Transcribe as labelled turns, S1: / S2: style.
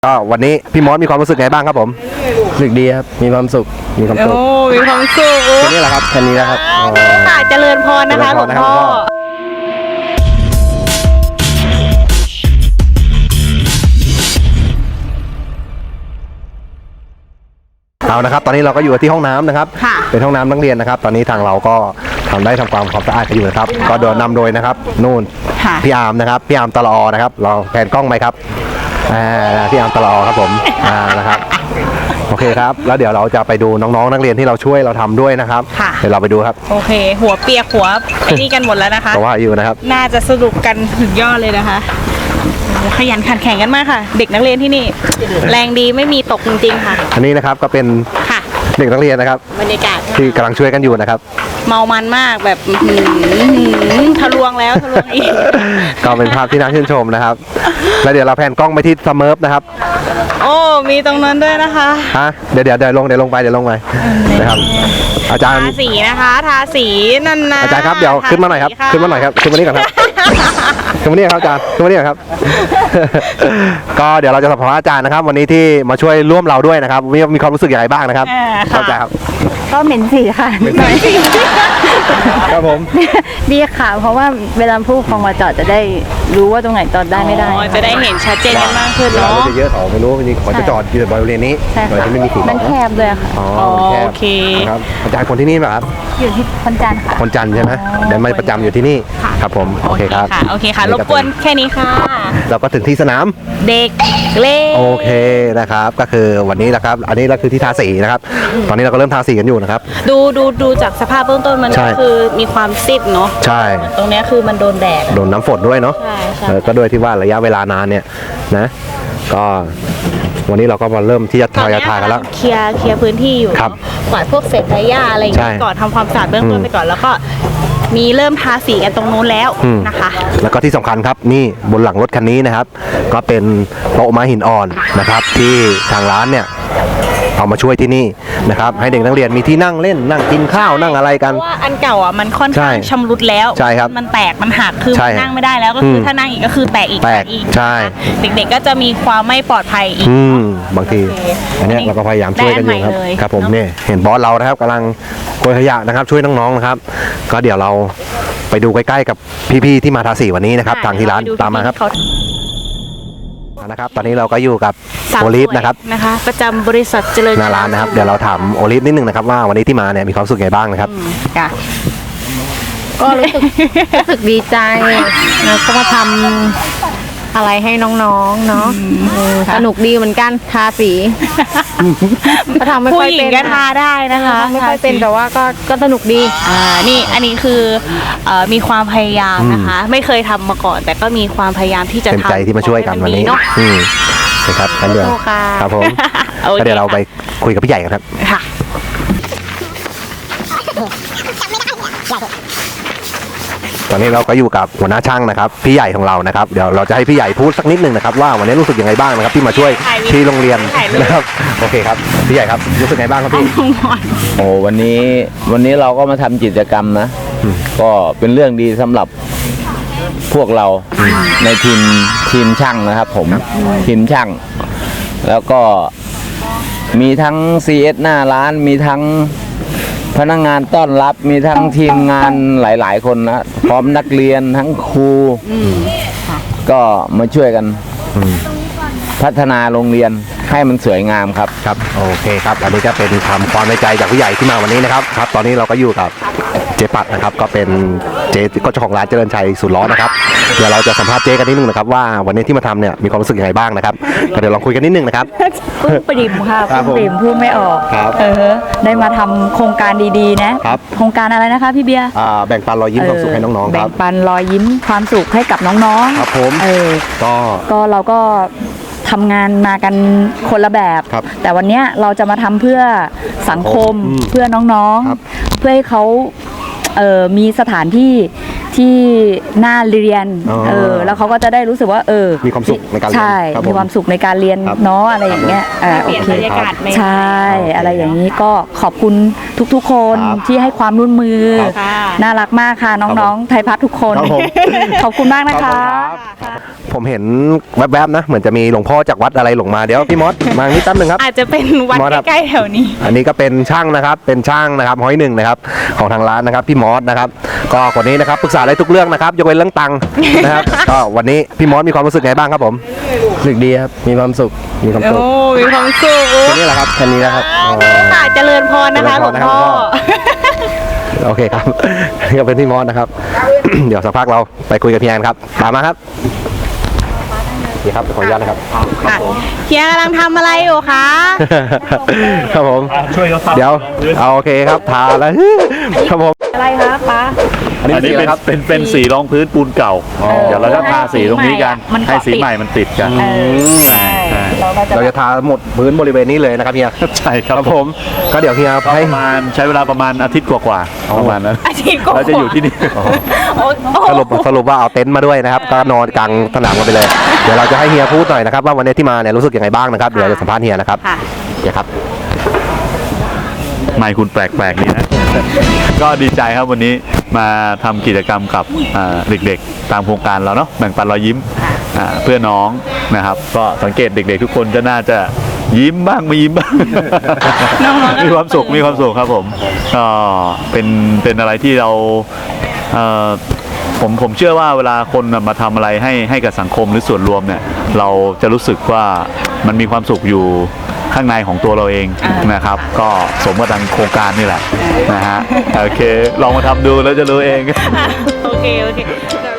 S1: ก็วันนี้พี่มอสมีความรู้สึกไงบ้างครับผม
S2: รู้สึกดีครับมีความสุข
S1: มีความสุข
S3: มีความสุข
S1: แค่นี้แหละครับ
S2: แค่นี้นะครับ
S3: ค่ะเจริญพรนะคะหลวงพ่อ
S1: เอานะครับตอนนี้เราก็อยู่ที่ห้องน้ำนะครับเป็นห้องน้ำนักเรียนนะครับตอนนี้ทางเราก็ทำความสะอาดกันอยู่นะครับก็โดยนำโดยนะครับนู่นพี่อาร์มนะครับพี่อาร์มตลอนะครับเราแผนกล้องไหมครับพี่อาร์มตลอครับผมนะครับโอเคครับแล้วเดี๋ยวเราจะไปดูน้องๆนักเรียนที่เราช่วยเราทำด้วยนะครับเดี๋ยวเราไปดูครับ
S3: โอเคหัวเปียกหัวไอ้นี่กันหมดแล้วนะคะ
S1: เพราะว่าอยู่นะครับ
S3: น่าจะสนุกกันถึงยอดเลยนะคะขยันขันแข่งกันมากค่ะเด็กนักเรียนที่นี่แรงดีไม่มีตกจริงๆค่ะ
S1: อันนี้นะครับก็เป็นเด็กนักเรียนนะครับ
S3: บรรยากาศ
S1: ที่กำลังช่วยกันอยู่นะครับ
S3: เมามันมากแบบทะลวงแล้วทะลวงอีก
S1: ก็เป็นภาพที่น่าชื่นชมนะครับแล้วเดี๋ยวเราแพนกล้องไปที่สเมิร์ฟนะครับ
S3: โอ้มีตรงนั้นด้วยนะคะ
S1: เดี๋ยวลงไปนะครับอาจารย์
S3: ทาสีนะคะทาสีนั่นนะ
S1: อาจารย์ครับเดี๋ยวขึ้นมาหน่อยครับขึ้นมานี่ก่อนครับขึ้นมานี่ครับอาจารย์ขึ้นมานี่ครับก็เดี๋ยวเราจะสัมภาษณ์อาจารย์นะครับวันนี้ที่มาช่วยร่วมเราด้วยนะครับมีความรู้สึกอย่างไรบ้างนะครับอาจารย์ครับ
S4: ก็เหม็นสีค่ะ
S1: ครับผม
S4: ดีค่ะเพราะว่าเวลาผู้ปกครองมาจอดจะได้รู้ว่าตรงไหนจอดได้ไม่ได้
S3: จะได้เห็นชัดเจนกันมากขึ้นเนาะ
S1: จะเยอะเขาไม่รู้จริงๆเขาจะจอดอยู่บริเวณนี้โดยที่ไม่มีสี
S4: มันแคบเลยค่ะ
S3: โอเค
S1: ครับอาจารย์คนที่นี่ไหมครับ
S4: อยู่ที่คนจันทร์ค่ะ
S1: คนจันทร์ใช่ไหมเดี๋ยวมาประจำอยู่ที่นี่ครับผมโอเคครับ
S3: โอเคค่ะรบกวนแค่นี้ค่ะ
S1: เราก็ถึงที่สนาม
S3: เด็กเล่น
S1: โอเคนะครับก็คือวันนี้นะครับอันนี้เราคือที่ทาสีนะครับตอนนี้เราก็เริ่มทาสีกันอยู่นะครับ
S3: ดูจากสภาพเบื้องต้นมันก็คือมีความซิดเนาะ
S1: ใช่
S3: ตรงนี้คือมันโดนแดด
S1: โดนน้ำฝนด้วยเนาะก็ด้วยที่ว่าระยะเวลานานเนี่ยนะก็วันนี้เราก็มาเริ่มที่จะทากันแล้ว
S3: เคลียร์พื้นที่อยู่กวาดพวกเศษใบหญ้าอะไรอย่างเงี้ยก่อนทำความสะอาดเบื้องต้นไปก่อนแล้วก็มีเริ่มทาสีกันตรงนู้นแล้วนะคะ
S1: แล้วก็ที่สำคัญครับนี่บนหลังรถคันนี้นะครับก็เป็นโต๊ะไม้หินอ่อนนะครับที่ทางร้านเนี่ยเอามาช่วยที่นี่นะครับให้เด็กนักเรียนมีที่นั่งเล่นนั่งกินข้าวนั่งอะไรกัน
S3: เพราะว่าอันเก่าอ่ะมันค่อนข้างชำรุดแล้ว
S1: ใช่ครับ
S3: มันแตกมันหักคือนั่งไม่ได้แล้วก็คือถ้านั่งอีกก็คือแตกอีก
S1: ใช่
S3: เด็กๆก็จะมีความไม่ปลอดภัยอีก
S1: บางทีอันนี้เราก็พยายามช่วยกันอยู่ครับผมเนี่ยเห็นบอสเรานะครับกำลังโกยขยะนะครับช่วยน้องๆนะครับก็เดี๋ยวเราไปดูใกล้ๆกับพี่ๆที่มาทาสีวันนี้นะครับทางที่ร้านตามมาครับนะครับตอนนี้เราก็อยู่กับโอลิฟนะครับ
S3: ประจำบริษัทเจริญ
S1: หน้าร้านนะครับเดี๋ยวเราถามโอลิฟนิดนึงนะครับว่าวันนี้ที่มาเนี่ยมีความสุขไงบ้างนะครับ
S4: ก็รู้สึกดีใจแล้วก็มาทำอะไรให้น้องๆเนาะสนุกดีเหมือนกันทาสีก็ทำไม่ค่อยเป็น
S3: ก็ทาได้นะคะ
S4: ไม่ค่อยเป็นแต่ว่าก็สนุกดี
S3: นี่อันนี้คือมีความพยายามนะคะไม่เคยทำมาก่อนแต่ก็มีความพยายามที่จะทำ
S1: เต็มใจที่มาช่วยกันวันนี้นะครับกันเดี๋ยวครับผมก็เดี๋ยวเราไปคุยกับพี่ใหญ่กันครับค่ะตอนนี้เราก็อยู่กับหัวหน้าช่างนะครับพี่ใหญ่ของเรานะครับเดี๋ยวเราจะให้พี่ใหญ่พูดสักนิดนึงนะครับว่าวันนี้รู้สึกยังไงบ้างนะครับที่มาช่วยที่โรงเรียนนะครับโอเคครับพี่ใหญ่ครับรู้สึกไงบ้างครับพี่
S2: โอ้วันนี้เราก็มาทำกิจกรรมนะก็เป็นเรื่องดีสำหรับพวกเราในทีมช่างนะครับผมทีมช่างแล้วก็มีทั้ง CS หน้าร้านมีทั้งพนักงานต้อนรับมีทั้งทีมงานหลายๆคนนะพร้อมนักเรียนทั้งครูก็มาช่วยกันพัฒนาโรงเรียนให้มันสวยงามครับ
S1: ครับโอเคครับอันนี้ก็เป็นความในใจจากผู้ใหญ่ที่มาวันนี้นะครับครับตอนนี้เราก็อยู่กับเจปัดนะครับก็เป็นเจ้าของร้านเจริญชัยสุดล้อนะครับเดี๋ยวเราจะสัมภาษณ์เจ๊กันนิดนึงนะครับว่าวันนี้ที่มาทำเนี่ยมีความรู้สึกยังไงบ้างนะครับเดี๋ยวลองคุยกันนิดนึงนะครับ
S4: ปริมค่ะปริมพูดไม่ออกได้มาทำโครงการดีๆนะโครงการอะไรนะคะพี่เบียร์
S1: แบ่งปันรอยยิ้มความสุขให้น้องๆครับ
S4: แบ่งปันรอยยิ้มความสุขให้กับน้อง
S1: ๆครับผม
S4: ก็เราก็ทำงานมากันคนละแบบแต่วันนี้เราจะมาทำเพื่อสังคมเพื่อน้องๆเพื่อให้เขามีสถานที่น่าเรียนแล้วเขาก็จะได้รู้สึกว่า
S1: มีความสุขในการเรียน
S4: ใช่มีความสุขในการเรียนเนาะอะไรอย่างเงี้ยโอเคใช่อะไรอย่างนี้ก็ขอบคุณทุกๆคน
S1: ครับ
S4: ที่ให้ความร่วมมือ
S3: ค่ะ
S4: น่ารักมากค่ะน้องๆไทยพัฒน์ทุกคน
S1: ครับผม
S4: ขอบคุณมากนะคะ
S1: ผมเห็นแวบๆนะเหมือนจะมีหลวงพ่อจากวัดอะไรหลงมาเดี๋ยวพี่มอสมานี่แป๊บนึงครับ
S3: อาจจะเป็นวัด
S1: มอสครับ
S3: ใกล้ๆแถวนี้
S1: อันนี้ก็เป็นช่างนะครับ เป็นช่างนะครับห้อยหนึ่งนะครับของทางร้านนะครับพี่มอสนะครับ ก็คนนี้นะครับปรึกษาได้ทุกเรื่องนะครับยกเว้นเรื่องตังค์นะครับ ก็วันนี้พี่มอสมีความรู้สึกไงบ้างครับผมรู้สึกดีครับ มีความสุข มีความสุข
S3: โอ้มีความสุข
S1: แค่นี้แหละครับแค่นี้นะครับ
S3: ค่ะเจริญพรนะคะหลวงพ่อ
S1: โอเคครับ นี่ก็เป็นพี่มอสนะครับ เดี๋ยวสักพักเราไปคุยกับพี่แอนครับตามมาครับนี่ครับขออนุญาตนะครับ
S3: ค่ะเฮียกำลังทำอะไรอยู่คะ
S1: ครับผม
S5: ช่วยเขาทำ
S1: เดี๋ยวเอาโอเคครับทาแล้ว ครับผม
S4: อะไรคะป้า
S1: อันนี้
S5: อันนี้
S1: สีอะไร
S5: เป็น
S1: ครับ
S5: เป็นสีรองพื้นปูนเก่า เดี๋ยวเราจะทาสีตรงนี้กัน
S4: มันเกาะ
S5: ให้สี
S4: ติด
S5: ใหม่มันติดกัน
S4: ใช่เราก็จะ
S1: เราจะทาหมดพื้นบริเวณนี้เลยนะครับเฮีย
S5: ใช่ครับ
S1: ครับผมก็เดี๋ยวเฮีย
S5: ก็
S1: ให้
S5: ประมาณใช้เวลาประมาณอาทิตย์กว่าๆประมาณนั้น
S3: อาทิตย์กว่า
S5: เราจะอยู่ที่นี่
S1: สรุปว่าเอาเต็นท์มาด้วยนะครับ ก็นอนกลางสนามกันไปเลย เดี๋ยวเราจะให้เฮียพูดหน่อยนะครับว่าวันนี้ที่มาเนี่ยรู้สึกยังไงบ้างนะครับเดี๋ยวเราจะสัมภาษณ์เฮียนะครับ
S3: ค่ะ
S1: เฮียครับ
S5: ไม่คุณแปลกๆดีนะ ก็ดีใจครับวันนี้มาทำกิจกรรมกับเด็กๆ ตามโครงการเราเนาะแบ่งปันรอยยิ้มเพื่อน้องนะครับ ก็สังเกตเด็กๆ ทุกคนจะน่าจะยิ้มบ้างไม่ยิ้มบ้าง มีความสุขครับผมก็เป็นอะไรที่เราผมเชื่อว่าเวลาคนมาทำอะไรให้กับสังคมหรือส่วนรวมเนี่ยเราจะรู้สึกว่ามันมีความสุขอยู่ข้างในของตัวเราเองนะครับ ก็สมกับทางโครงการนี่แหละนะฮะโอเคลองมาทำดูแล้วจะรู้เอง
S3: โอเค